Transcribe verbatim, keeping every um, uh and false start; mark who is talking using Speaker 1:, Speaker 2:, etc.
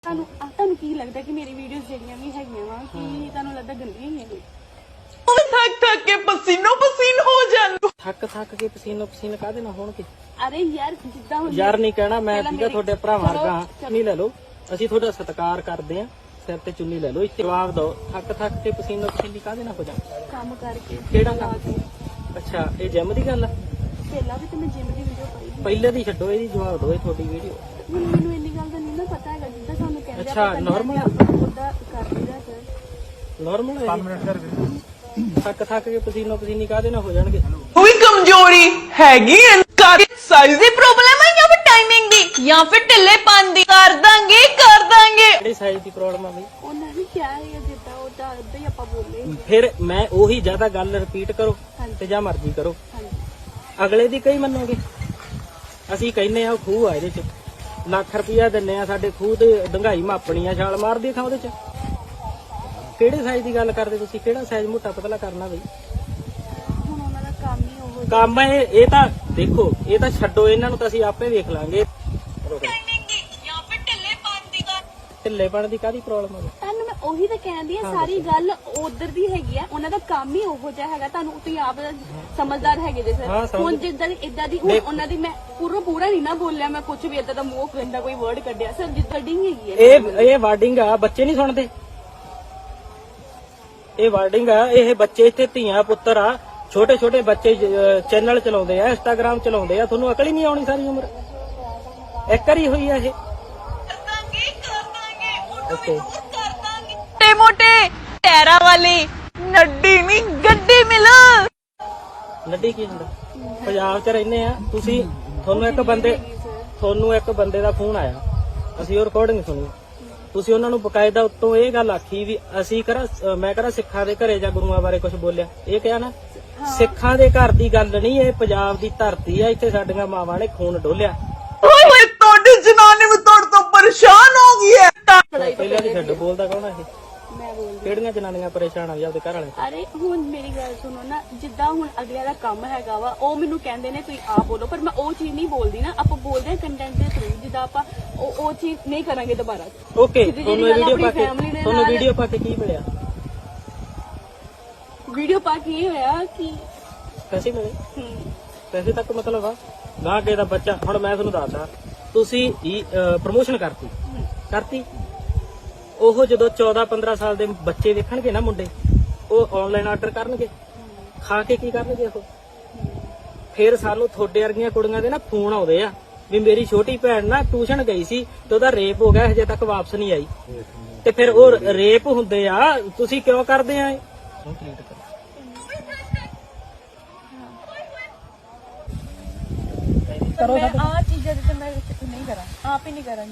Speaker 1: ਤੁਹਾਨੂੰ ਤੁਹਾਨੂੰ ਕੀ ਲੱਗਦਾ ਕਿ ਮੇਰੀ ਵੀਡੀਓਜ਼ ਜਿਹੜੀਆਂ ਵੀ ਹੈਗੀਆਂ ਵਾ ਕਿ ਤੁਹਾਨੂੰ ਲੱਗਦਾ ਗੰਦੀਆਂ ਹੀ ਹੈਗੀਆਂ?
Speaker 2: थक थक के पसीनो पसीन हो जान
Speaker 3: ਥੱਕ ਥੱਕ ਕੇ ਪਸੀਨੋ ਪਸੀਨ ਕਾਹਦੇ ਨਾਲ ਹੋਣਗੇ?
Speaker 1: ਅਰੇ ਯਾਰ ਜਿੱਦਾਂ ਹੁਣ
Speaker 3: ਯਾਰ ਨਹੀਂ ਕਹਿਣਾ ਮੈਂ
Speaker 1: ਪਹਿਲਾਂ
Speaker 3: ਠੀਕਾ
Speaker 1: ਮੇਰੀ-
Speaker 3: ਤੁਹਾਡੇ ਭਰਾ
Speaker 1: ਚਲੋ,
Speaker 3: ਵਰਗਾ
Speaker 1: ਚਲੋ।
Speaker 3: ਨਹੀਂ ਲੈ ਲਓ, ਅਸੀਂ ਤੁਹਾਡਾ ਸਤਿਕਾਰ ਕਰਦੇ ਆਂ, ਸਿਰ ਤੇ ਚੁੰਨੀ ਲੈ ਲਓ, ਇੱਥੇ ਜਵਾਬ ਦਿਓ। ਥੱਕ ਥੱਕ ਕੇ ਪਸੀਨੋ ਪਸੀਨੀ ਕਾਹਦੇ ਨਾਲ ਹੋ ਜਾ?
Speaker 1: ਕੰਮ ਕਰਕੇ
Speaker 3: ਕਿਹੜਾ
Speaker 1: ਲਾ
Speaker 3: ਕੰਮ?
Speaker 1: ਕੇ।
Speaker 3: ਅੱਛਾ ਇਹ ਜਿਮ ਦੀ ਗੱਲ ਆ?
Speaker 1: ਪਹਿਲਾਂ ਵੀ ਤੇ ਮੈਂ ਜਿਮ ਦੀ ਵੀਡੀਓ ਪਾਈ ਸੀ।
Speaker 3: ਪਹਿਲੇ ਦੀ ਛੱਡੋ, ਇਹਦੀ ਜਵਾਬ ਦਿਓ। ਇਹ ਤੁਹਾਡੀ ਵੀਡੀਓ
Speaker 1: ਹੁਣ ਮੈਨੂੰ ਇੰਨੀ ਗੱਲ ਦਾ ਨਹੀਂ ਨਾ ਪਤਾ ਹੈਗਾ ਜਿੱਦਾਂ ਸਾਨੂੰ ਕਹਿੰਦੇ
Speaker 3: ਅੱਛਾ, normal ਆ?
Speaker 1: ਉਹਦਾ ਕਰ ਲਈਦਾ ਸਰ।
Speaker 3: ਨਾਰਮਲ ਹੈ? ਪੰਜ ਮਿੰਟ ਕਰ ਥੱਕ ਥੱਕ ਕੇ ਪਸੀਨੋ ਪਸੀਨੀ ਕਾਹਦੇ ਨਾਲ ਹੋ ਜਾਣਗੇ?
Speaker 2: कोई कमजोरी हैगी साइज दी प्रॉब्लम है या फिर टाइमिंग दी या फिर ढिल्लेपन दी कर दांगे कर दांगे
Speaker 3: ਕਿਹੜੀ ਸਾਈਜ਼ ਦੀ ਪ੍ਰੋਬਲਮ ਆ ਬਈ?
Speaker 1: ਉਹਨਾਂ ਨੇ ਕਿਹਾ ਹੈ ਜਿੱਦਾਂ ਉਹਦਾ ਉਦਾਂ ਹੀ ਆਪਾਂ ਬੋਲੇ।
Speaker 3: ਫਿਰ ਮੈਂ ਉਹੀ ਜ਼ਿਆਦਾ ਗੱਲ ਰਿਪੀਟ ਕਰੋ
Speaker 1: ਹਾਂਜੀ।
Speaker 3: ਤੇ ਜਾਂ ਮਰਜ਼ੀ ਕਰੋ,
Speaker 1: ਹਾਂਜੀ
Speaker 3: ਅਗਲੇ ਦੀ ਕਈ ਮੰਨੋਗੇ? ਅਸੀਂ ਕਹਿੰਨੇ ਆ ਖੂਹ ਆ, ਇਹਦੇ ਚ ਲੱਖ ਰੁਪਇਆ ਦਿੰਨੇ ਆ, ਸਾਡੇ ਖੂਹ ਤੇ ਡੰਗਾਈ ਮਾਪਣੀ ਆ, ਛਾਲ ਮਾਰਦੀ ਥਾਂ ਉਹਦੇ ਚ। ਕਿਹੜੇ ਸਾਈਜ਼ ਦੀ ਗੱਲ ਕਰਦੇ ਤੁਸੀਂ? ਕਿਹੜਾ ਸਾਈਜ਼ ਮੋਟਾ ਪਤਲਾ ਕਰਨਾ ਬਈ?
Speaker 1: ਹੁਣ ਉਹਨਾਂ ਦਾ ਕੰਮ ਹੀ ਉਹ
Speaker 3: ਕੰਮ ਇਹ ਇਹ ਤਾਂ ਦੇਖੋ, ਇਹ ਤਾਂ ਛੱਡੋ, ਇਹਨਾਂ ਨੂੰ ਤਾਂ ਅਸੀਂ ਆਪੇ ਵੇਖ ਲਾਂਗੇ।
Speaker 2: टाइमिंग दी या फिर ढिल्लेपन दी कर
Speaker 3: ਢਿੱਲੇਪਣ ਦੀ ਕਾਹਦੀ ਪ੍ਰੋਬਲਮ ਹੈ?
Speaker 1: ਤੁਹਾਨੂੰ ਮੈਂ ਉਹੀ ਤਾਂ ਕਹਿੰਦੀ ਆ, ਸਾਰੀ ਗੱਲ ਉਧਰ ਦੀ ਹੈਗੀ ਆ। ਉਹਨਾਂ ਦਾ ਕੰਮ ਹੀ ਉਹੋ ਜਿਹਾ ਹੈਗਾ। ਤੁਹਾਨੂੰ ਤੁਸੀਂ ਆਪ ਸਮਝਦਾਰ ਹੈਗੇ ਜੇ
Speaker 3: ਹਾਂ,
Speaker 1: ਸਰ।
Speaker 3: ਸਮਝ-
Speaker 1: ਹੁਣ ਜਿੱਦਾਂ ਦੀ ਇਦਾਂ ਦੀ ਹੁਣ ਉਹਨਾਂ ਦੀ ਮੈਂ ਪੂਰਾ ਪੂਰਾ ਨਹੀਂ ਨਾ ਬੋਲਿਆ, ਮੈਂ ਕੁਝ ਵੀ ਇਦਾਂ ਦਾ ਮੂੰਹ ਗੰਦਾ ਕੋਈ ਵਰਡ ਕੱਢਿਆ ਸਰ। ਜਿੱਦਾਂ ਡਿੰਗ ਹੈਗੀ ਹੈ
Speaker 3: ਇਹ ਇਹ ਵਾਰਡਿੰਗ ਆ, ਬੱਚੇ ਨਹੀਂ ਸੁਣਦੇ। ਇਹ ਵਾਰਡਿੰਗ ਆ, ਇਹ ਬੱਚੇ ਇੱਥੇ ਧੀਆਂ ਪੁੱਤਰ ਆ, ਛੋਟੇ ਛੋਟੇ ਬੱਚੇ ਚੈਨਲ ਚਲਾਉਂਦੇ ਆ, ਇੰਸਟਾਗ੍ਰਾਮ ਚਲਾਉਂਦੇ ਆ। ਤੁਹਾਨੂੰ ਅਕਲ ਹੀ ਨਹੀਂ ਆਉਣੀ ਸਾਰੀ ਉਮਰ? ਇੱਕ ਵਾਰੀ ਹੋਈ ਆ ਇਹ?
Speaker 2: दांगे कर दांगे
Speaker 3: ਓਕੇ
Speaker 2: कर दांगे मोटे मोटे टैरा वाली नड्डी नहीं गड्डी मिल
Speaker 3: ਲੱਡੀ ਕੀ ਹੁੰਦਾ? ਪੰਜਾਬ 'ਚ ਰਹਿੰਦੇ ਆ ਤੁਸੀਂ, ਤੁਹਾਨੂੰ ਇੱਕ ਬੰਦੇ ਤੁਹਾਨੂੰ ਇੱਕ ਬੰਦੇ ਦਾ ਫੋਨ ਆਇਆ, ਅਸੀਂ ਉਹ ਰਿਕਾਰਡਿੰਗ ਸੁਣੀ, ਤੁਸੀਂ ਉਹਨਾਂ ਨੂੰ ਬਕਾਇਦਾ ਉੱਤੋਂ ਇਹ ਗੱਲ ਆਖੀ ਵੀ ਅਸੀਂ ਕਰਾ ਮੈਂ ਕਰਾ ਸਿੱਖਾਂ ਦੇ ਘਰੇ ਜਾਂ ਗੁਰੂਆਂ ਬਾਰੇ ਕੁਝ ਬੋਲਿਆ। ਇਹ ਕਿਹਾ ਨਾ, ਸਿੱਖਾਂ ਦੇ ਘਰ ਦੀ ਗੱਲ ਨਹੀਂ, ਇਹ ਪੰਜਾਬ ਦੀ ਧਰਤੀ ਆ, ਇੱਥੇ ਸਾਡੀਆਂ ਮਾਵਾਂ ਨੇ ਖੂਨ ਡੋਲਿਆ।
Speaker 2: ओए ओए तोड़ी जनानी में तोड़ तो परेशान हो गई है
Speaker 3: ਪਹਿਲਾਂ ਦੀ ਛੱਡ, ਬੋਲਦਾ ਕੌਣ ਆ ਇਹ?
Speaker 1: ਮੈਂ ਬੋਲਦੀ।
Speaker 3: ਕਿਹੜੀਆਂ ਜਨਾਨੀਆਂ ਪਰੇਸ਼ਾਨ ਆ ਜੀ ਆਪਦੇ ਘਰ ਵਾਲੇ?
Speaker 1: ਅਰੇ ਹੁਣ ਮੇਰੀ ਗੱਲ ਸੁਣੋ ਨਾ, ਜਿੱਦਾਂ ਹੁਣ ਅਗਲਿਆਂ ਦਾ ਕੰਮ ਹੈਗਾ ਵਾ, ਉਹ ਮੈਨੂੰ ਕਹਿੰਦੇ ਨੇ ਤੁਸੀਂ ਆਪ ਬੋਲੋ, ਪਰ ਮੈਂ ਉਹ ਚੀਜ਼ ਨਹੀਂ ਬੋਲਦੀ ਨਾ। ਆਪਾਂ ਬੋਲਦੇ ਹਾਂ ਕੰਟੈਂਟ ਦੇ ਥਰੂ, ਜਿੱਦਾਂ ਆਪਾਂ ਉਹ ਉਹ ਚੀਜ਼ ਨਹੀਂ ਕਰਾਂਗੇ ਦੁਬਾਰਾ।
Speaker 3: ਓਕੇ,
Speaker 1: ਸਿੱਧੀ
Speaker 3: ਤੁਹਾਨੂੰ
Speaker 1: ਜਿਹੀ
Speaker 3: ਇਹ
Speaker 1: ਗੱਲ
Speaker 3: ਵੀਡੀਓ ਪਾ
Speaker 1: ਆਪਣੀ
Speaker 3: ਕੇ
Speaker 1: family ਦੇ
Speaker 3: ਤੁਹਾਨੂੰ
Speaker 1: ਨਾਲ-
Speaker 3: ਵੀਡੀਓ ਪਾ ਕੇ ਕੀ ਮਿਲਿਆ?
Speaker 1: ਵੀਡੀਓ ਪਾ ਕੇ ਇਹ ਹੋਇਆ ਕਿ
Speaker 3: ਪੈਸੇ ਮਿਲੇ?
Speaker 1: ਹਮ,
Speaker 3: ਪੈਸੇ ਤੱਕ ਮਤਲਬ ਆ ਨਾ ਕੇ ਦਾ ਬੱਚਾ। ਹੁਣ ਮੈਂ ਤੁਹਾਨੂੰ ਦੱਸਦਾ, ਤੁਸੀਂ ਪ੍ਰਮੋਸ਼ਨ ਕਰਤੀ ਕਰਤੀ ਉਹ ਜਦੋਂ ਚੌਦਾਂ ਪੰਦਰਾਂ ਸਾਲ ਦੇ ਬੱਚੇ ਵੇਖਣਗੇ ਨਾ ਮੁੰਡੇ, ਉਹ ਆਨਲਾਈਨ ਆਰਡਰ ਕਰਨਗੇ, ਖਾ ਕੇ ਕੀ ਕਰਨਗੇ ਉਹ? ਫਿਰ ਸਾਨੂੰ ਤੁਹਾਡੇ ਵਰਗੀਆਂ ਕੁੜੀਆਂ ਦੇ ਨਾ ਫੋਨ ਆਉਂਦੇ ਆ ਵੀ ਮੇਰੀ ਛੋਟੀ ਭੈਣ ਨਾ ਟਿਊਸ਼ਨ ਗਈ ਸੀ ਤੇ ਉਹਦਾ ਰੇਪ ਹੋ ਗਿਆ, ਹਜੇ ਤੱਕ ਵਾਪਸ ਨਹੀਂ ਆਈ। ਤੇ ਫਿਰ ਉਹ ਰੇਪ ਹੁੰਦੇ ਆ, ਤੁਸੀਂ ਕਿਉਂ ਕਰਦੇ ਆ ਇਹ?
Speaker 1: ਮੈਂ ਆ ਚੀਜ਼ਾਂ ਤੇ ਮੈਂ ਨਹੀਂ ਕਰਾਂ, ਆਪ ਹੀ ਨਹੀਂ ਕਰਾਂਗੀ।